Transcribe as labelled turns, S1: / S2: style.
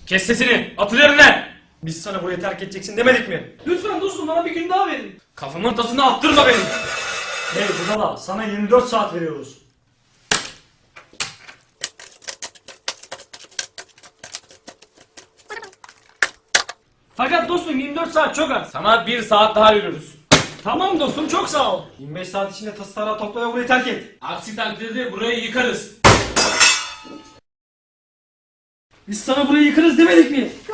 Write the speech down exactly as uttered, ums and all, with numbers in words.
S1: Kes sesini. Atıl yerine. Biz sana burayı terk edeceksin demedik mi?
S2: Lütfen dostum bana bir gün daha verin.
S1: Kafamın tasını attırma beni.
S3: Hey budala, sana yirmi dört saat veriyoruz.
S2: Fakat dostum yirmi dört saat çok az.
S1: Sana bir saat daha veriyoruz.
S2: Tamam dostum çok sağ ol.
S3: yirmi beş saat içinde tası tarağı topla ve burayı terk et.
S1: Aksi takdirde burayı yıkarız.
S2: Biz sana burayı yıkarız demedik mi?